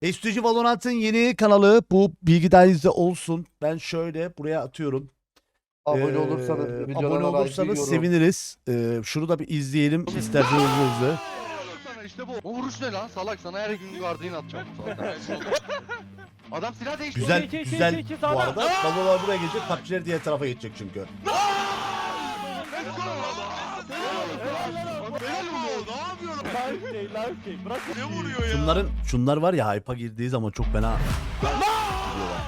Estücü Valorant'ın yeni kanalı bu bilgi dahilinizde olsun. Ben şöyle buraya atıyorum. Abone olursanız, Abone olursanız seviniriz. Şunu da bir izleyelim isterseniz hızlı. Sana işte bu. O vuruş ne lan? Salak sana her gün guardian atacağım bu salak. Adam silah değişti. Güzel iki, güzel iki, bu arada. Balolar buraya gelecek, PUBG'ler diğer tarafa geçecek çünkü. Helal oluyor. Ne yapıyorsun? Live kick. Bırak. Ne vuruyor ya? Şunlar var ya, hype'a girdiği zaman çok fena gidiyorlar.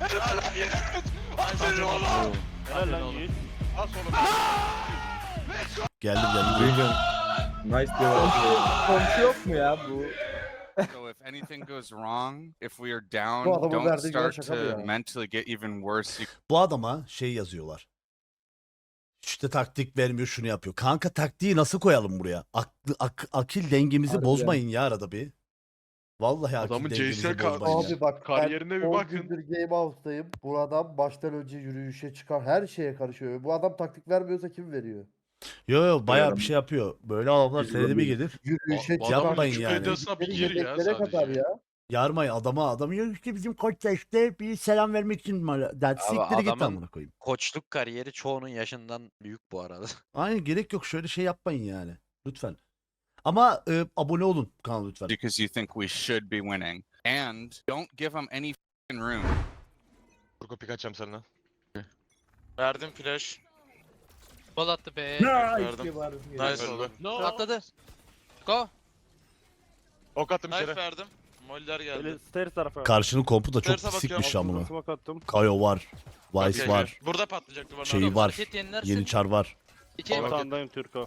Helal lan Yiğit. Geldim. Nice diyor. Komşu yok mu ya bu? So if anything goes wrong, if we are down, Bu adamın don't verdiği güven start şaka mı to ya? mentally get even worse. Bu adama şey yazıyorlar. İşte taktik vermiyor, şunu yapıyor. Kanka taktiği nasıl koyalım buraya? Akil dengemizi Harbi bozmayın ya arada bir. Vallahi akil Adamın dengemizi CS'ye bozmayın ya. Abi bak Kariyerine bir ben 10 bakın. gündür Game House'dayım. Bu adam baştan önce yürüyüşe çıkar. Her şeye karışıyor. Bu adam taktik vermiyorsa kim veriyor? Yo bayağı bir şey yapıyor. Böyle adamlar senede bir gelir. Yürüyüşe Bu çıkar. Yapmayın adamın yani. Wikipedia'sına bir Yedekleri gir ya yedeklere kadar sadece. ya. Yarmayın adam diyor ki bizim koç da işte bir selam vermek için der. Siktir git adamın- amına koyayım. Koçluk kariyeri çoğunun yaşından büyük bu arada. Aynen, gerek yok, şöyle şey yapmayın yani. Lütfen. Ama abone olun kanala lütfen. Because you think we should be winning, and don't give them any f***ing room. Turko pik açacağım sana. Verdim flash. Bol attı be. Verdim. Nice Öldü. oldu. Atladı. Go. Ok attım Knife içeri. verdim. Moller geldi. Böyle stairs tarafa. Karşının kompu da çok Terse sikmiş bakıyorum, amına. Smoke attım. Kayo var. Vice Okey, var. Burada patlayacak duvarın Şeyi arkasında. var. Hareket yenilersin. Yeni çar var. İki. Tamam. Ortağındayım Türko.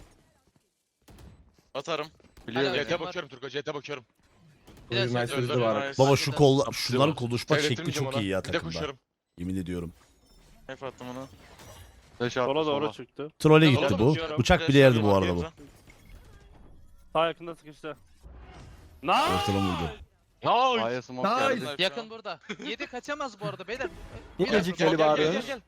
Atarım. Biliyorum. CT bakıyorum Turko, CT bakıyorum. Biraz Nice önce- hızlı var. Nice. Baba şu Harbiden. şunların konuşma şekli Seyrettirmeyeceğim çok ona. iyi ya Bir de takımda. koşuyorum. Yemin ediyorum. Knife attım onu. Sola doğru çıktı. Trolle Sola gitti bu. bakıyorum. Bıçak Flash bile yerdi alayım, bu arada bu. bakayım Sağ yakında sıkıştı. Nice. Ortadan vurdu. Nice. Aya smoke sen. geldi. Knife Yakın ya. burada. 7 kaçamaz bu arada beyler. Bu Biraz gecik gel, Ali gel, bağırıyor. gel, gel.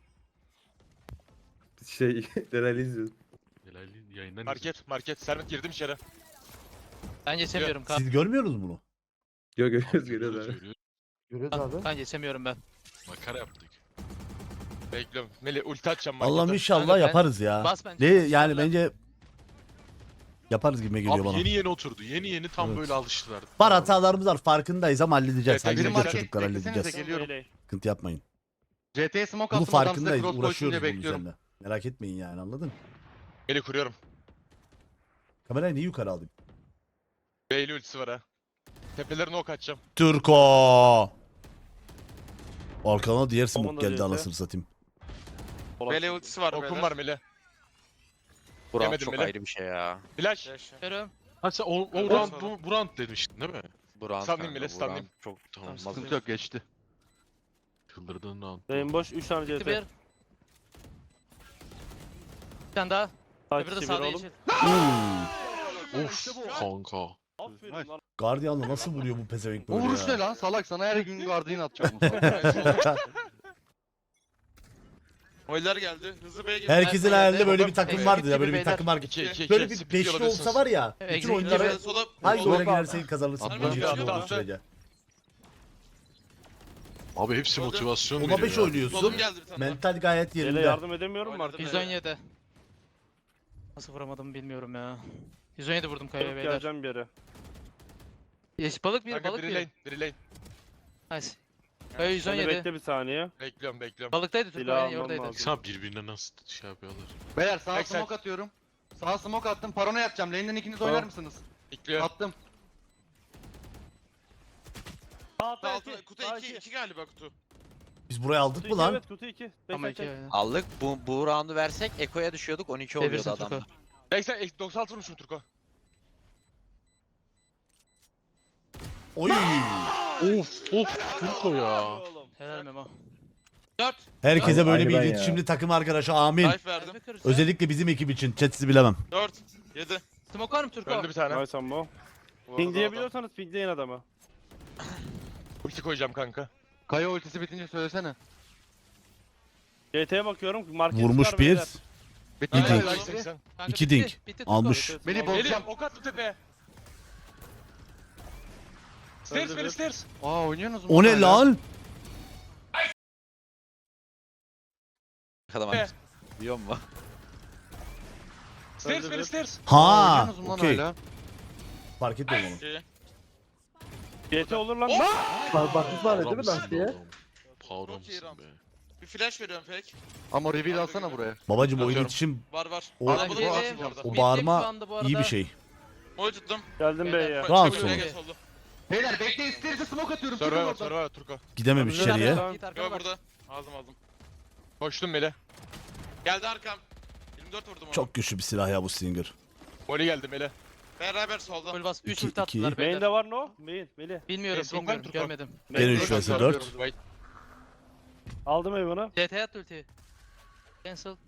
Şey, Delali izliyoruz. Yayından market. Servet girdim içeri. Ben geçemiyorum kan. Siz görmüyorsunuz bunu. Görüyoruz abi. Görüyoruz abi. Kan geçemiyorum ben. Makara yaptık. Bekliyorum. Melih ulti atacağım markete. Allah'ım inşallah Kanka ben- yaparız ya. Bas bence. Ne bas, yani valla. bence yaparız gibi geliyor Abi bana. yeni oturdu. Yeni tam Evet. böyle alıştılar. Var, hatalarımız var, farkındayız ama halledeceğiz. Evet, Biri Halledeceğiz market çocuklar, beklesenize halledeceğiz. geliyorum. Melee. Sıkıntı yapmayın. CT'ye smoke Bunun attım adam size farkındayız. cross koysun diye Uğraşıyoruz bunun bekliyorum. üzerine. Merak etmeyin yani, anladın? Melih kuruyorum. Kamerayı niye yukarı alayım? Beyli ultisi var ha. Tepelerine ok atacağım. Türko. Arkana diğer smoke Onun da geldi, CT. anasını satayım. Sola Bele çıktı. ultisi var Okum beyler. var Melih. Buram Yemedim çok bile. ayrı bir şey ya. Flash. Flash. Görüyorum. Ha sen o Evet, round sonra. bu round demiştin değil mi? Buram Stunlayayım bile, stunlayayım. Çok Tamam. Sıkıntı yok geçti. Çıldırdığın round. Lane boş 3 tane Bir. CT. Bir tane daha. Sağ Öbürü de kişi bir sağda oğlum. yeşil. Of kanka. Aferin lan. Guardian'la nasıl vuruyor bu pezevenk O böyle vuruş ya? ne lan? Salak sana her gün guardian atacağım bu salak. Moller geldi. Hızlı B'ye geldi. Herkesin Nerede hayalinde geldi? böyle bir Exit takım gibi vardı ya, böyle bir beyler. takım var. 2 Böyle bir beşli olsa var ya, bütün Exit oyunları gibi. Sola. hangi sola- oyuna girersen kazanırsın. Atla, Bu ciddi atla, olduğu atla. sürece. Abi hepsi Solda. motivasyon Ona veriyor 5 ya. oynuyorsun. Solum geldi bir tane. daha. Mental gayet Bele yerinde. yardım edemiyorum mu Oynadım. artık? 117. Nasıl vuramadım bilmiyorum ya. 117 vurdum kayaya Alıp beyler. geleceğim bir yere. Yeşil balık bir, Kanka balık biri bir. lane, biri lane. Nice. Kaya Seni 117. bekle bir saniye. Bekliyorum. Balıktaydı Türk Silah yani almam oradaydı. lazım. Sen birbirine nasıl şey yapıyorlar? Beyler sağa Backside. smoke atıyorum. Sağa smoke attım. Parona yatacağım. Lane'den ikiniz oynar mısınız? Bekliyor. Attım. Sağ Altı, kutu 2 galiba kutu. Biz burayı aldık mı lan? Evet kutu 2. Ama Bekle iki. çek. Aldık. Bu roundu versek Eko'ya düşüyorduk. 12 oluyordu Devirsin adam. Türko. 96 vurmuşum Turko. Oy! Of Turko ya. Oğlum. Helal Memo. 4. Herkese böyle Aynı bir ben ya. iletişimli takım arkadaşı, amin. Knife verdim. Özellikle bizim ekip için. Chat sizi bilemem. 4. 7. Smoke var mı Türko? Öldü bir tane. Nice ammo. Pingleyebiliyorsanız pingleyin adamı. Ulti koyacağım kanka. Kaya ultisi bitince söylesene. CT'ye bakıyorum. Market Vurmuş çıkar bir. beyler. Bitti. İki. Bitti. Ay 80. Kanka, İki bitti, dink. bitti Türko. Almış. CT Beni smoke. bozacağım. Melih ok attı tepeye. Stairs Melih stairs. Aa oynuyorsunuz mu? O ne hala? lan? Bakalım abi. Biliyor musun? Stairs Melih stairs. Ha, Oynuyorsunuz mu lan okey. hala? Fark etmedim onu. İki. GT olur lan. Bakmış var değil mi lastiğe? Çok iyi round. Bir flash veriyorum pek. Ama reveal alsana buraya. Babacım o Atıyorum. iletişim, Var var. O- Arabalı Mid var lane- bu arada. o Mid bağırma lane şu anda bu iyi arada. bir şey. Moy tuttum. Geldim B'ye. Beyler, Round Çabuk sonu. öne geç oldu. Beyler bekleyin stairs'e smoke atıyorum. Çıkın Survivor oradan. Survivor Turko. Gidememiş Güzel içeriye. Tamam. Git arkana Yo bak. burada. Aldım. Koştum Melih. Geldi arkam. 24 vurdum onu. Çok güçlü bir silah ya bu Stinger. Molly geldi Melih. Beraber solda. Full bas. 3 İki- ulti attılar iki. beyler. Main'de var no? Main. Melih. Bilmiyorum Esok bilmiyorum Turko. görmedim. Gene 3 Turko vs 4. atıyorum. Wait. Aldım Evan'ı. CT at ultiyi. Cancel.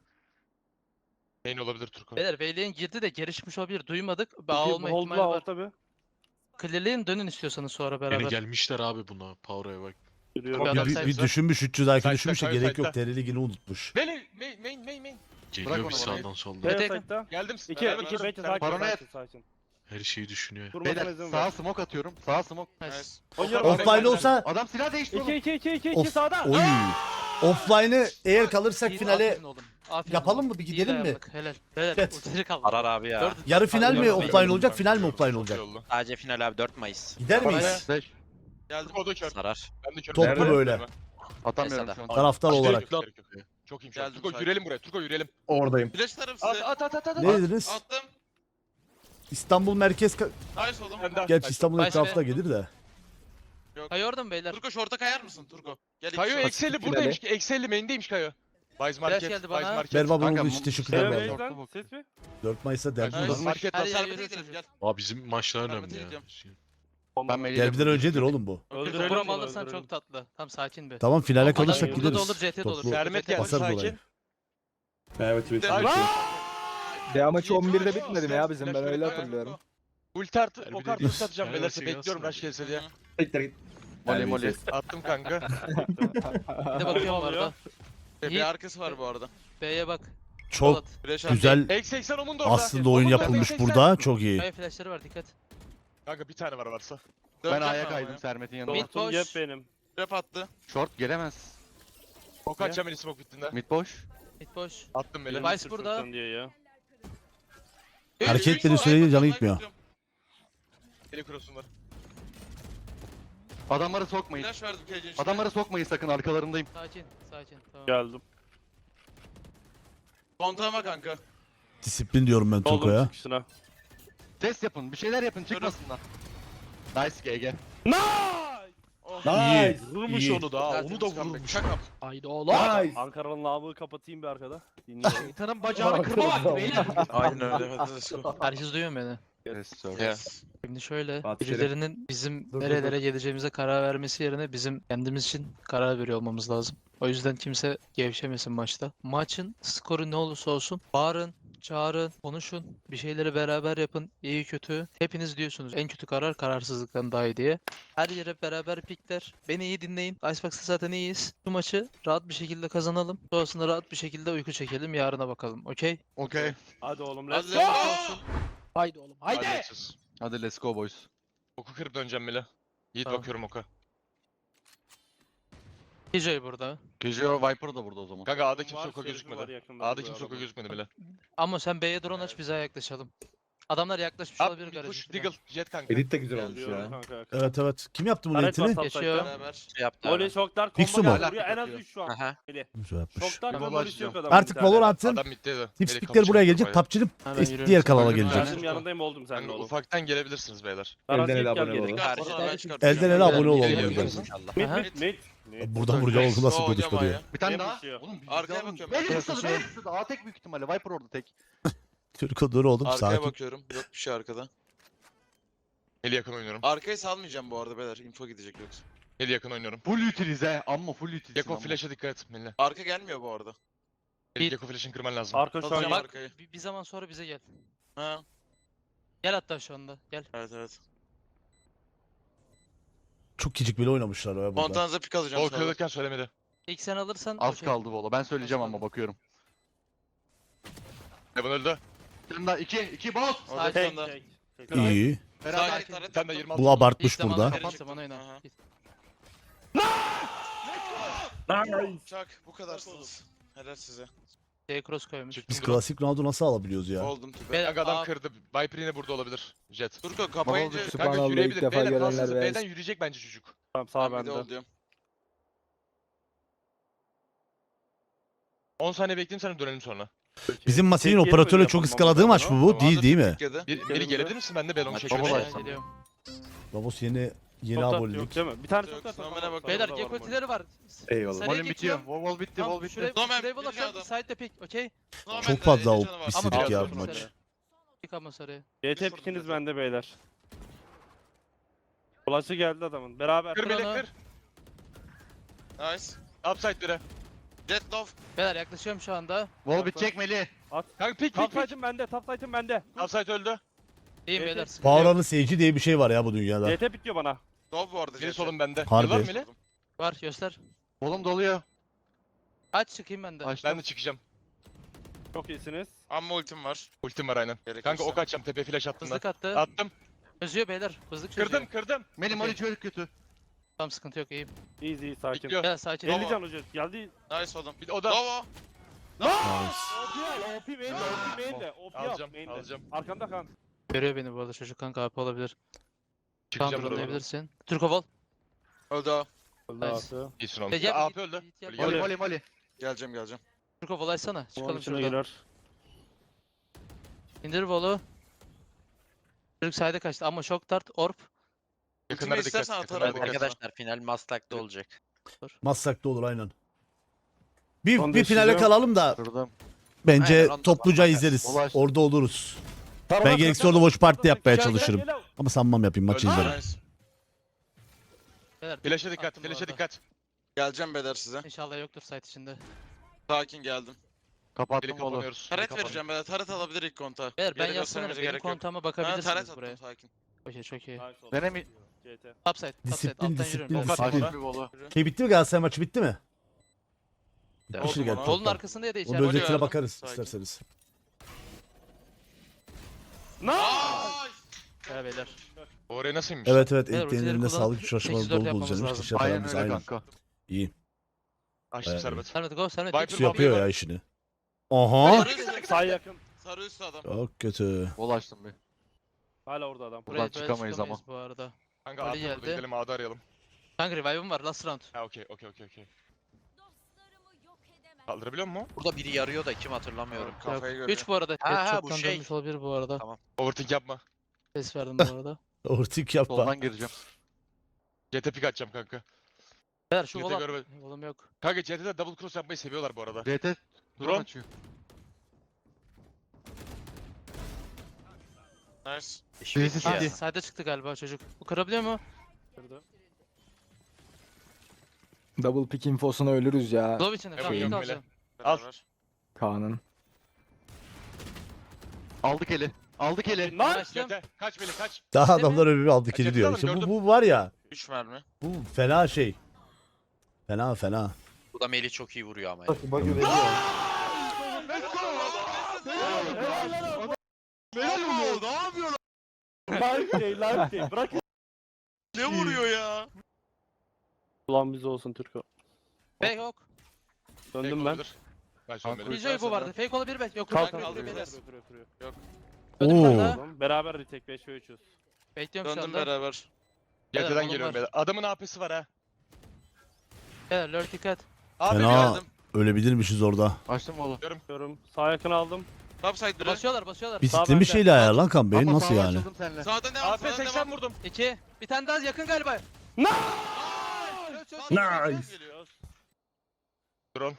Main olabilir Turko. Beyler Vaylian girdi de geri çıkmış olabilir. Duymadık. Bağ olma Hold'la ihtimali var. al tabi. Clearlayın dönün istiyorsanız sonra beraber. gelmişler abi buna. Power'a bak. Yürüyorum. Bir adam Bir sayısı. düşünmüş 300 IQ Side'da, düşünmüş de Kayo gerek yok. side'da. TR ligini unutmuş. Melih main. Geliyor onu bir bana. sağdan soldan. Evet. B site'da. Geldim. 2 Beraber 2 varım. bekle Sen- sakin Paranoya- sakin sakin. Her şeyi düşünüyor. Durmasına Beyler izin sağa ver. smoke atıyorum. Sağa smoke. Nice. Oynuyorum. Offline olsa Adam silah değişti oğlum. 2 Of- sağda. oy. Offline'ı eğer kalırsak İyi, finale aferin oğlum, aferin yapalım oğlum. mı? Bir İyi gidelim mi? dayandık, Helal. Beyler Evet. ultileri kaldı. Arar abi ya. Dört- Yarı final mi Hadi offline olacak, final mi offline Çok olacak? iyi oldu. Sadece final abi 4 Mayıs. Gider miyiz? Beş. Geldim. Turko da kör. Sarar. Ben de körüm. Toplu Nerede? böyle. Atamıyorum Mesela. şu an. Taraftar Gerek olarak. yok, gerek yok. Çok iyiyim şu an. Geldim Turko sakin. yürüyelim buraya. Turko yürüyelim. Oradayım. Flash tarım At size. at. Ne dediniz? Attım. İstanbul merkez... Nice oğlum. Ben de- Gerçi İstanbul Nice etrafında be. gelir de. Kayı orada mı beyler? Turko short'a kayar mısın Turko? Gel iki Kayo short. Excel'i buradaymış. Excel'i main'deymiş Kayo. Buys Market. geldi Buys bana. Market. Merhaba Kanka, bunun için bu- teşekkürler Evet, bu evet. arada. B'den ses mi? 4 Mayıs'ta derbi Nice. var. Market Her var. yer Servet'e yürüyorsunuz. gidelim gel. Abi bizim maçlar Ben önemli de ya. gideceğim. Ben Melih'le Derbiden öncedir oğlum bu. Öldürelim Buram bunu, alırsan öldürelim. çok tatlı. Tam sakin bir. Tamam finale Adam kalırsak burada da gideriz. olur, CT de olur. Toplu Sermet geldi basarız sakin. orayı. Evet evet. Devam maçı 11'de bitmedi mi ya bizim? Ben öyle hatırlıyorum. Ulti artı, Harbi o kartı değil. ulti atacağım Yani beyler. şey Bekliyorum aslında. rush gelse diye. Tekrar git. Molly Molly. Attım kanka. Bir de bakıyorum bu arada. Bir arkası var bu arada. B'ye bak. Çok Polat. Flash güzel X80 onun da orada. aslında oyun Onun da yapılmış X80. burada. Çok iyi. Kaya flashları var dikkat. Kanka bir tane var varsa. Ben A'ya kaydım Sermet'in yanına. Mid Short'um boş. yep benim. Trap attı. Short gelemez. O kaç Emily smoke bittiğinde. Mid boş. Mid boş. Attım beni. Vice burada. Sırtın diye ya. Hareket etmediği sürece canı gitmiyor. Eli cross'um var. Adamları sokmayın. Flash verdim cage'in içine. Adamları sokmayın sakın arkalarındayım. Sakin. Sakin. Tamam. Geldim. Kontağıma kanka. Disiplin diyorum ben Oldum Toko'ya. çıkışına. Ses yapın. Bir şeyler yapın çıkmasınlar. Nice GG. İyi. Vurmuş iyi. onu da. Onu da Tertemiz comeback. vurmuş. Şaka. Haydi oğlum. Ankara'nın lavabıyı kapatayım bir arkada. Dinliyorum. Şeytanın bacağını kırma vakti beyler. Aynen öyle. Hadi let's go. Herkes duyuyor mu beni? Yes sir. Yes. Şimdi şöyle, Fatih Şerif. birilerinin bizim Dur, dur, nerelere geleceğimize karar vermesi yerine bizim kendimiz için karar veriyor olmamız lazım. O yüzden kimse gevşemesin maçta. Maçın skoru ne olursa olsun bağırın, çağırın, konuşun, bir şeyleri beraber yapın, iyi kötü. Hepiniz diyorsunuz en kötü karar kararsızlıktan daha iyi diye. Her yere beraber pikler. Beni iyi dinleyin. Icebox'ta zaten iyiyiz. Bu maçı rahat bir şekilde kazanalım. Sonrasında rahat bir şekilde uyku çekelim. Yarına bakalım. Okey? Okey. Hadi oğlum Hadi let's let's go. go. Haydi oğlum. Hadi. let's. Hadi let's go boys. Oku kırıp döneceğim bile. Yiğit Tamam. bakıyorum oka. DJ burada. Kejio Viper da burada o zaman. Kanka A'da kimse Var, oka şerifim var gözükmedi. yakında A'da bu kimse oka arada. gözükmedi bile. Ama sen B'ye drone aç bize yaklaşalım. Adamlar yaklaşmış At olabilir bir garajın push içine. Deagle Jet kanka. Edit de güzel olmuş Diyorum ya. kanka. Evet evet. Kim yaptı bunun Taret var eğitini? Geçiyor. sapsakta. Beraber. Şey yaptı Oli abi. şoklar Fixu combo mu? geldi. Vuruyor en az 3 şu an. Aha. Güzel yapmış. Şoklar Bir combo baba istiyor açacağım. adam. Artık Valorant'ın Adam middeydi. tipstikleri buraya gelecek. PUBG'nin Hemen yürüyorum. diğer kanala Bakın, gelecek. Geldim yanındayım oldum sen de Kanka oğlum. ufaktan gelebilirsiniz beyler. Aras Elden ele ilk gel abone geri. olun. Karşıdan Karşıdan- ben çıkartacağım. Elden ele abone olalım. Geliyor. diyeceğiz. İnşallah. Mid Aha. mid mid. Mid. Buradan vuracağım oğlum nasıl Oynama konuşma diyor. ya. Bir tane Ne daha. basıyor? Oğlum bir Arkaya daha- bakıyorum. Beyler Arkaya ısıdı, beyler ısıdı. A tek büyük ihtimalle. Viper orada tek. Türko dur oğlum Arkaya sakin. bakıyorum. Yok bir şey arkada. Eli yakın oynuyorum. Arkayı salmayacağım bu arada beyler. Info gidecek yoksa. Eli yakın oynuyorum. Full utilize. Amma full utilize. Yako flash'a dikkat et Melih. Arka gelmiyor bu arada. Eli Yako flash'ını kırman lazım. Arka şu an Satacağım yok. arkayı. Bir zaman sonra bize gel. Ha. Gel hatta şu anda. Gel. Evet evet. Çok küçük bile oynamışlar ya burada. Montanıza pik alacağım. O sağda. kırılırken söylemedi. İlk sen alırsan Az okey. kaldı valla. Ben söyleyeceğim ama bakıyorum. Evan öldü. Sen daha 2 boss. Orada Tek, bir tane daha. Tek. İyi. Beraber. Sağ taret Sen de attım. 26. Bu abartmış İlk zamanı burada. kapat Çıktım. zaman oyna. Aha. Git. Çak bu kadarsınız. Helal size. Cross koymuş. Biz klasik roundu nasıl alabiliyoruz ya? Oldum tübe. Beyler, Kanka adam A- kırdı. Viper yine burada olabilir. Jet. Turko kapayınca Kanka Subhanallah, yürüyebilir. ilk defa B'den görenler kalsın. beğensin. B'den yürüyecek bence çocuk. Tamam sağ ben de bende. oldum. 10 saniye bekleyeyim sana dönelim sonra. Bizim Masin'in Tek yeri operatörle böyle çok yapalım ıskaladığı ama maç mı bu? Tamam. Değil mi? Türkiye'de. Biri gelebilir misin? Ben de Belon'u Hadi çekiyorum. baba. Ben geliyorum. Babos yeni Top tat abonelik. yok değil mi? Bir tane Yok, top tat. Snowman'e bak. Beyler Var, Gekko var. ultileri var. Eyvallah. Sarıya Volüm bitiyor. geçiyorum. Wall bitti, Tamam, wall bitti. şuraya Snowman, şuraya wall bir atıyorum. adam. Side'de pick, okey? Çok fazla Normal, o canı var. istedik Ama ya biraz bu vurdum maç. sarıya. Pick ama sarıya. GT pikiniz bende beyler. Flash'ı geldi adamın. Beraber. Kır melek Onu- kır. Nice. Upside biri. Jet love. Beyler yaklaşıyorum şu anda. Wall bitecek Melih. Kanka pik Top pik pik. side'ım bende. Top side'ım bende. Upside öldü. İyiyim Evet, beyler. evet. sıkıntı yok. Power'ın seyirci diye bir şey var ya bu dünyada. GT bitiyor bana. Love bu arada. Biri Jet. solum bende. Harbi. Yıllar mı Melih? Var göster. Wall'um doluyor. Aç çıkayım ben de. Açtım. Ben de çıkacağım. Çok iyisiniz. Amma ultim var. Ultim var aynen. Gerekirse. Kanka ok atacağım tepe flash attım Hızlık ben. attı. Attım. Çözüyor beyler. Hızlık çözüyor. Kırdım kırdım. Melih Molly çok kötü. Tamam sıkıntı yok iyiyim. Easy sakin. Bekliyor. Beyler sakin. Tamam. 50 can hoca. Geldi. Nice oğlum. Bir de o da. Love. OP main'de. OP main'de. OP yap Alacağım main'de. alacağım. Arkamda kan. Görüyor beni bu arada çocuk kanka AP olabilir. Çıkacağım Counter buradan. oynayabilirsin. Türko Vol. Öldü o. Öldü Nice. abi. İyisin oğlum. Recep, AP git, öldü. git, yap. Öyle Molly geldi. Molly Molly. Geleceğim. Türko Vol açsana. Onun Çıkalım içine şuradan. girer. İndir Vol'u. Çocuk side'e kaçtı ama shock dart orb. Yakınlara dikkat. istersen Yakınlara atarım. dikkat. Arkadaşlar final Maslak'ta olacak. Maslak'ta olur aynen. Bir, Son bir finale decision. kalalım da Kırdım. bence Aynen, onda topluca bakarız. izleriz. Ulaş. Orada oluruz. Ben gerekirse orada watch party yapmaya çalışırım. Ama sanmam yapayım maçı Öyle. izlerim. Nice. Beyler, Flash'a dikkat. attım bu Flash'a arada. dikkat. Geleceğim beder size. İnşallah yoktur site içinde. Sakin geldim. Kapattım Biri wall'u. kapanıyoruz. Taret vereceğim beder. Taret alabilir ilk konta. Beyler ben Yere yazsana göstermenize benim gerek yok. kontağıma Ha, bakabilirsiniz taret buraya. attım sakin. Okey çok iyi. Denemi. GT. Upside, Disiplin, alttan disiplin, yürüyorum. disiplin. Açtım bir wall'u. Şey bitti mi Galatasaray maçı bitti mi? Evet. Bitmiştir Oldu gel. bana. Kolun toptan. arkasında ya da Onun içeride. özetine verdim. bakarız Sakin. isterseniz. Nice. Evet beyler. Oraya nasılmış? Evet evet Beyler, ellerine ultileri sağlık kullanıp çalışmaları 8-4 dolu dolu yapmamız düzenlemiş. lazım. Teşekkür Aynen ederiz öyle aynen. kanka. İyi. Açtım servet. Sermet go Sermet. Viper tek Şu yapıyor ya işini. Aha. Sarı Sağ yakın. Sarı üstü adam. Çok kötü. Wall açtım bir. Hala orada adam. Buradan Buraya böyle çıkamayız ama. Bu arada. Kanka Öyle AP burada geldi. gidelim A'da arayalım. Kanka revive'ım var last round. Ha okey. Kaldırabiliyor musun? Burada biri yarıyor da kim hatırlamıyorum. Kafayı görüyor. 3 bu arada. Ha, ha, Çoktan bu şey. dönmüş olabilir bu arada. Tamam. Overthink yapma. Ses verdim bu arada. Ortik yapma. Soldan gireceğim. CT pick atacağım kanka. Beyler şu Yete vola. görme- Volum yok. Kanka CT'de double cross yapmayı seviyorlar bu arada. DT. Drone. Drone açıyor. Nice. Eşit Birisi ya. CT. Side'e çıktı galiba çocuk. Bu kırabiliyor mu? Kırdı. Double pick infosuna ölürüz ya Glove içinde. Tamam iyi yok, kalacağım. Al. Beraber. Kaan'ın. Aldık eli. Aldık eli. Nice. Açtım. CT kaç beni kaç. Daha Değil mi? adamlar öbürü aldı Ha, kili diyor. Jet'i İşte alın, bu var ya. 3 mermi. Bu fena şey. Fena. Bu da Melih çok iyi vuruyor ama. Bak veriyor. Live şey. Bırak. Ne vuruyor ya? Ulan biz olsun Türko. Fake ok. Döndüm ben. Olabilir. Ben şu an benim. Biljoy bu vardı. Fake olabilir belki. Yok. Kalk yok, kalk, yok, kalk. yok. Oo. Oğlum, beraber retake 5 ve 3'üz. Bekliyorum şu Döndüm anda. beraber. Beyler, CT'den oğlum geliyorum var. beyler. Adamın AP'si var ha. Beyler lurk dikkat. Abi Fena. geldim. Ölebilirmişiz orada. Açtım wall'u. Bakıyorum. Sağ yakın aldım. Topside biri. Basıyorlar. Bisikletli bir bende. şeyle ayar lan kan beyin Ama nasıl sağa yani? açıldım seninle. Sağda ne var? AP Sağda ne 80 var? vurdum. 2. Bir tane daha yakın galiba. Nice. Drone.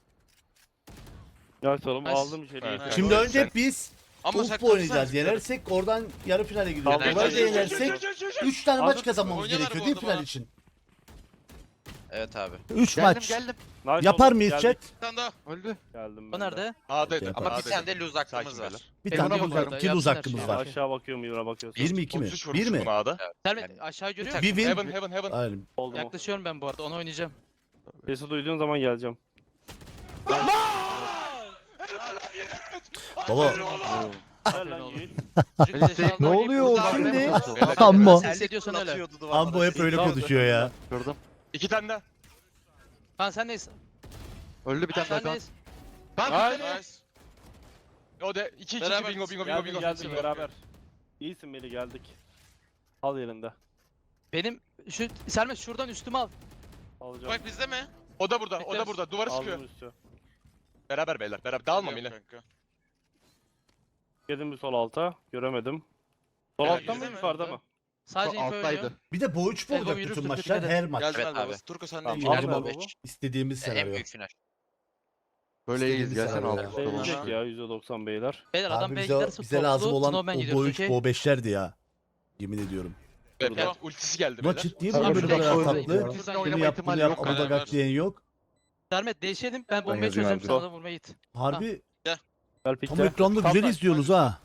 Ya oğlum Nice. aldım içeriye. Evet. Şimdi önce biz Ama Ufuk oynayacağız. Yenersek oradan yarı finale gidiyoruz. Tamam. Böyle yenersek 3 tane maç Hazır- kazanmamız Oynuyorlar gerekiyor bu değil mi arada final bana. için? Evet abi. 3 Geldim maç. geldim. Nice Yapar oğlum, mıyız geldik. chat? Bir tane daha. Öldü. Geldim O ben de. nerede? A'daydı. Yapar. Ama bir A'daydı. tane de lose hakkımız Sakin var. beyler. Bir Ben tane ona lose, bakıyorum. 2 lose hakkımız Yapsınlar var. şimdi. Aşağı bakıyorum Yura bakıyorsun. 1 mi 2 mi? 33 1 vurmuşum mi? buna A'da. Sermet aşağı görüyor Bir musun? win. Heaven. Aynen. Oldu mu? Yaklaşıyorum ben bu arada. Onu oynayacağım. Sesi duyduğun zaman geleceğim. Baba Ver lan Yiğit. Ne oluyor şimdi? Ammo. Ses ediyorsan öyle. Ambo hep öyle konuşuyor ya. Kırdım. 2 tane daha. Kaan sen neyiz? Öldü bir tane daha Sen kan. neyiz? Nice. O da 2 Beraber bingo bingo bingo Geldik bingo. geldik beraber. İyisin Melih geldik. Al yerinde. Benim şu Sermet şuradan üstüme al. Alacağım. Bak bizde mi? O da burada, o da Bekleriz. burada. Duvarı sıkıyor. Aldım üstü. Beraber beyler, beraber. Dağılma Geliyorum Melih. kanka. Yedim bir sol alta. Göremedim. Sol Evet, altta mı bizde mi? yukarıda mı? Sadece info oynuyor. Bir de bu 3 mu olacak yürürsün, bütün dikkat maçlar? et. Her maç. Geldim Evet ben abi. babası. Turko sen Tamam, de Al al zaman baba. istediğimiz En senaryo. büyük final. Böyle iyiyiz İstediğimiz gelsene senaryo. altı tamam. Değecek ya %90 beyler. Beyler adam Abi B'ye bize, giderse bize lazım olan Snowman o gidiyoruz, Bo 3, okey? Bo 5'lerdi ya. Yemin ediyorum. Evet, ultisi geldi Maç beyler. ciddi mi Tabii, lan böyle şuradan kadar sonra tatlı? gidiyor. Şuradan Bunu gidelim. yap bunu yap ama da Beraber. gak diyen yok. Sermet değişelim. Ben bombayı yazayım çözeceğim. abi. Sana da vurmaya git. Harbi Gel tam pikte. ekranda güzel izliyorsunuz ha.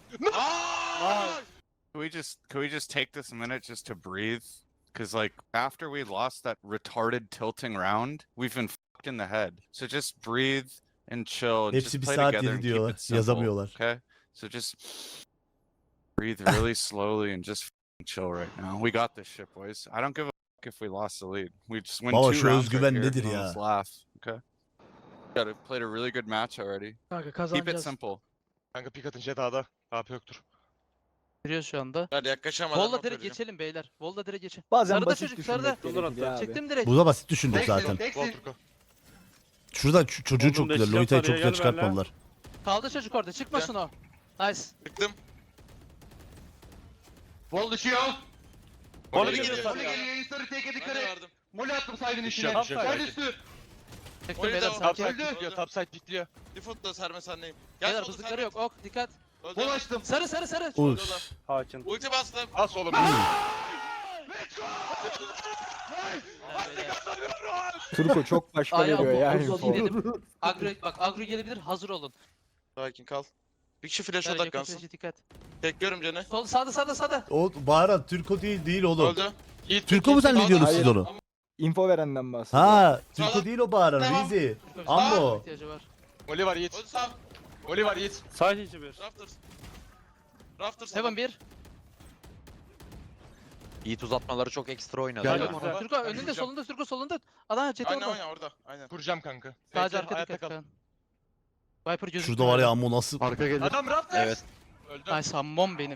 Can we just take this minute just to breathe? Because like after we lost that retarded tilting round, we've been fucked in the head. So just breathe and chill and Hepsi just bir play saat together yedi and keep diyorlar, it simple. yazamıyorlar. Okay? So just breathe really slowly and just fucking chill right now. We got this shit, boys. I don't give a fuck if we lost the lead. We just win Baba, 2 şu rounds özgüven right here nedir and ya? let's laugh. Okay? Got played a really good match already. Kanka Keep it kazanacağız. simple. Kanka pik atınca dağda. AP yoktur. Giriyoruz şu anda. Hadi yaklaşamadan. Volda not direkt vereceğim. geçelim beyler. Volda direkt geçin. Bazen Sarıda basit çocuk, sarıda. düşünmek gerekiyor abi. Çektim direkt. Bu da basit düşündük zaten. Gol Turko. Şurada çocuğu Oğlum çok güzel. destek Lolita'yı var çok ya, güzel gel çıkartmadılar. Kaldı çocuk orada. Çıkmasın o. Nice. Çıktım. Bol düşüyor. Onu Geri geliyor geliyor. sarıya. Sarı teke Hadi dikkat et. verdim. Mole attım saydın İş içine. yok, iş yok, Side sakin. üstü. Çektim Oyunu beyler da- sakin. Topside pikliyor, topside pikliyor. Default'ta Serme sendeyim. Gel Beyler solda hızlıkları Sermet. yok. Ok dikkat. Öldü. Bol açtım. Sarı sarı sarı. Uf. Hakin. Ulti bastım. As oğlum. Turko çok başka Ay, veriyor ya. Apollo info. gidelim. Agro bak agro gelebilir. Hazır olun. Sakin kal. Bir kişi flash Beyler, yakın odaklansın. flash'e dikkat. Tekliyorum canı. Sol sağda. O Baharat Türko değil oğlum. Öldü. Yiğit, Türko mu zannediyorsunuz siz Hayır. onu? Info verenden bahsediyor. Ha, Türko Sağda. değil o Baharat. Tamam. Rizi. Tamam. Ambo. İhtiyacı var. Oli var Yiğit. Öldü sağ. Oli var Yiğit. Side içi bir. Rafters. Rafters. Heaven 1. Yiğit uzatmaları çok ekstra oynadı. Geldim ya. oraya. Türko önünde solunda Türko solunda. Adam jet Aynen orada. aynen orada. Aynen. Kuracağım kanka. Sadece Bekle, arka hayatta dikkat kal. kan. Viper gözüküyor. Şurada var ya Ammo nasıl? Arka gelir. Adam Raptors. Evet. Öldü. Ay sammon benim.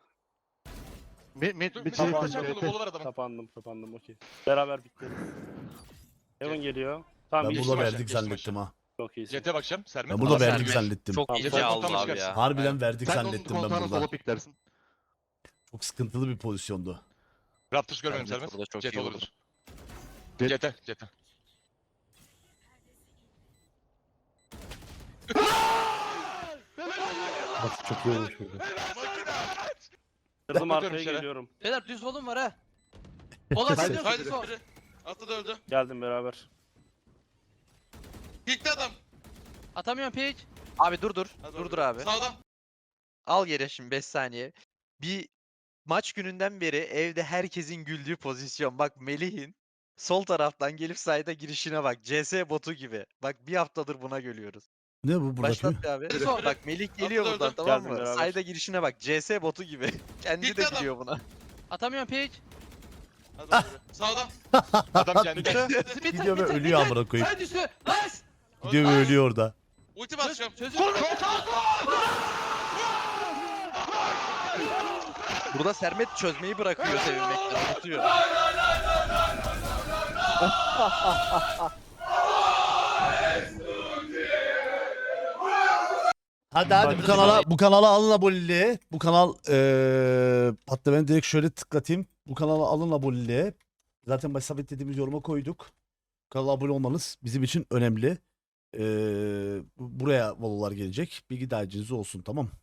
Dur, Bir bir şey tane bıçak kolu var adamın. Kapandım okey. Beraber bitleriz. Heaven geliyor. Tamam Ben iyi. burada maç, verdik geçti zannettim ha. Çok iyisin. Jet'e bakacağım. Sermet. Ben burada Ama verdik Sermet zannettim. Çok Tamam, iyice sen aldı toplamış abi gelsin. ya. Harbiden verdik Sen onun zannettim ben koltuğuna burada. sola piklersin. Çok sıkıntılı bir pozisyondu. Raptors görmedim Sermet Sermet. burada çok Jet iyi olurdur. vurdu. Jet'e. Çok iyi olmuş burada. Kırdım arkaya Bakıyorum içeri. geliyorum. Beyler düz volum var ha. Ola geliyor Haydi düz vol. biri. Atı da öldü. Geldim beraber. Kickti adam. Atamıyorum pick. Abi dur. Hadi Dur öldü. abi. Sağda. Al yere şimdi 5 saniye. Bir maç gününden beri evde herkesin güldüğü pozisyon. Bak Melih'in sol taraftan gelip sayda girişine bak. CS botu gibi. Bak bir haftadır buna gülüyoruz. Ne bu buradaki? Başlat bir abi. Düz vol. Bak Melih geliyor Atladı, buradan öldü. tamam Geldim mı? beraber. Sayda girişine bak. CS botu gibi. Kendi Gitti de adam. gülüyor buna. Atamıyorum pick. Hadi öldü. Sağda. Adam kendi. Gidiyor ve ölüyor amına koyayım. Sen düştü. Nice. Gidiyor ve ölüyor orada. Ulti basacağım. Çözüm. Burada Sermet çözmeyi bırakıyor sevinmekten. Unutuyor. Hadi bu kanala alın aboneliği. Bu kanal hatta ben direkt şöyle tıklatayım. Bu kanala alın aboneliği. Zaten baş sabitlediğimiz yoruma koyduk. Kanala abone olmanız bizim için önemli. Buraya valolar gelecek. Bilgi dağarcığınız olsun, tamam.